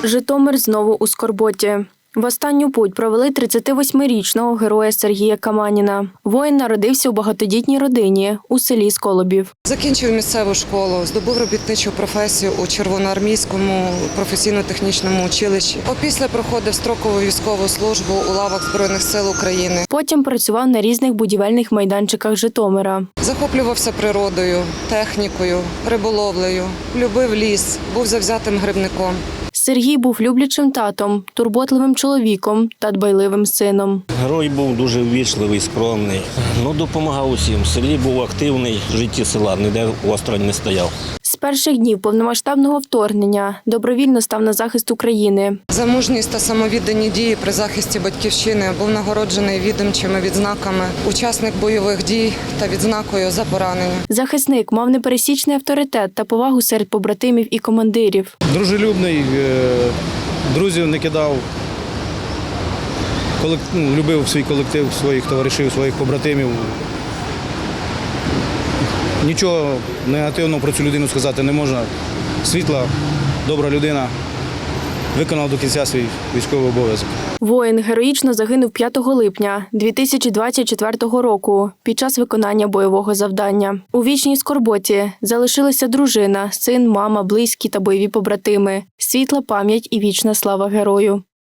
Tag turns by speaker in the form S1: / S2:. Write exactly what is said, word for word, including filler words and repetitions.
S1: Житомир знову у скорботі. В останню путь провели тридцятивосьмирічного героя Сергія Каманіна. Воїн народився у багатодітній родині у селі Сколобів.
S2: Закінчив місцеву школу, здобув робітничу професію у Червоноармійському професійно-технічному училищі. Опісля проходив строкову військову службу у лавах Збройних сил України.
S1: Потім працював на різних будівельних майданчиках Житомира.
S2: Захоплювався природою, технікою, риболовлею, любив ліс, був завзятим грибником.
S1: Сергій був люблячим татом, турботливим чоловіком та дбайливим сином.
S3: Герой був дуже ввічливий, скромний. Ну, допомагав усім. В селі був активний, в житті села, ніде осторонь не стояв.
S1: З перших днів повномасштабного вторгнення добровільно став на захист України.
S2: За мужність та самовіддані дії при захисті батьківщини був нагороджений відомчими відзнаками, учасник бойових дій та відзнакою за поранення.
S1: Захисник мав непересічний авторитет та повагу серед побратимів і командирів.
S4: Дружелюбний, друзів не кидав, любив свій колектив, своїх товаришів, своїх побратимів. Нічого негативного про цю людину сказати не можна. Світла, добра людина, виконав до кінця свій військовий обов'язок.
S1: Воїн героїчно загинув п'ятого липня дві тисячі двадцять четвертого року під час виконання бойового завдання. У вічній скорботі залишилися дружина, син, мама, близькі та бойові побратими. Світла пам'ять і вічна слава герою.